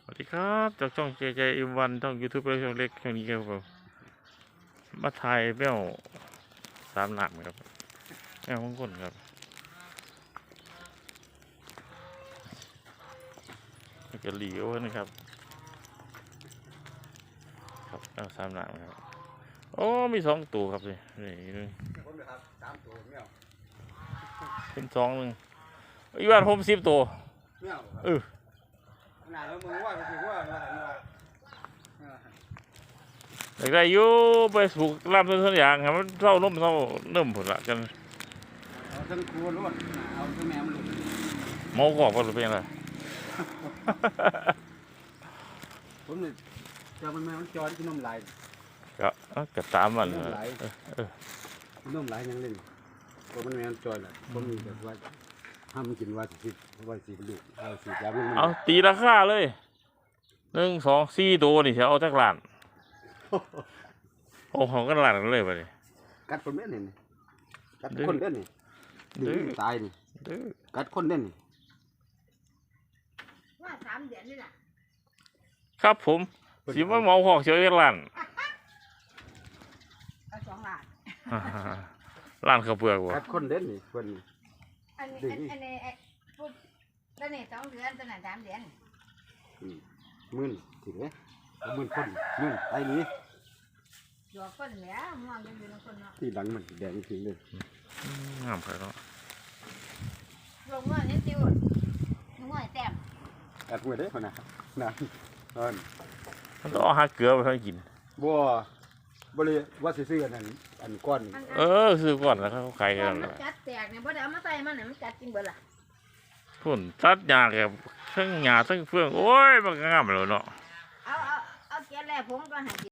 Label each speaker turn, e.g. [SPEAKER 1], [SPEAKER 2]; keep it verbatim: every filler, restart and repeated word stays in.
[SPEAKER 1] วัสดีครับจากช่องเจเจอิวันช่องยูทูบช่องเล็กช่องนี้ครับผมมาถ่ายแมวสามหนักครับแมวของคนครับนี่ก็หลีโอนะครับครับแมวสามหนักครับโอ้มีสองตัวครับนี่นี่นึงเป็นสองหนึ่งอีวันผมสิบตัวเอออยากได้อยู่ไปสูกลำต้นต้นอย่างครับมันเท่านุ่มเท่าเนิ่มผลละกัน
[SPEAKER 2] เอาทั้งครัวรถเอาทั้งแมวมันหลุด
[SPEAKER 1] เมากรอบก็หรือเป็นอะไร
[SPEAKER 2] ผมเนี่ยจะมันแมวมันจอดที่น้ำลาย
[SPEAKER 1] ก็ก็ตามมัน
[SPEAKER 2] น้ำลายน้ำลายยังเล่นเพราะมันแมวจอดแหละผมมีแบบว่าห้ามกินว่าสิว่าสิลูกเอาสิยามัน
[SPEAKER 1] เอาตีราคาเลยหนึ่งสองสี่ตัวนี่จะเอาจากหลานโอ้ของกันหลานเลยไปเลย
[SPEAKER 2] กัดคนเล่นนี่กัดคนเล่นนี่ดึงตายนี่กัดคนเล่นนี่
[SPEAKER 3] ว่าสามเดือนนี่แหละ
[SPEAKER 1] ครับผมสิว่าเมาหอกเฉยหลาน
[SPEAKER 3] เอาสองล้าน
[SPEAKER 1] หลานข้าวเปลือกวะ
[SPEAKER 2] กัดคนเล่นนี่คน
[SPEAKER 3] อันนี้อันนี้ไอ้พูดตอนนี้สองเดือนตอนนั้นสามเดือน
[SPEAKER 2] มื่นถึงไหมมื่นคนมื่นไอ้นี้
[SPEAKER 3] หยอกคนเหนือมองกันอยู่ในคนเนาะ
[SPEAKER 2] ที่หลังมันแดงจริงเลย
[SPEAKER 1] งามไปแล้ว
[SPEAKER 3] ลงเมื่อนี้ติวลงเมื่อแต้ม
[SPEAKER 2] แอบมือได้คนนะนะเออ
[SPEAKER 1] มันต้องเอาหาเกลือไปให้กิน
[SPEAKER 2] บัวบริว่าซื้ออันนั้นอันก้อน
[SPEAKER 1] เออซื้อก่อนแล้วเขาขายกัน
[SPEAKER 3] มันจัดแตกเนี่ยพอได้เอามาใส่มันเนี่ยมันจัดจริงเบิดล่ะ
[SPEAKER 1] พุ่นตัดหญ้าแบบทั้งหญ้าทั้งเฟืองโอ้ยมันงามเลยเนาะ
[SPEAKER 3] เอาเอาเอาเกล็ดแรกผมก็ให้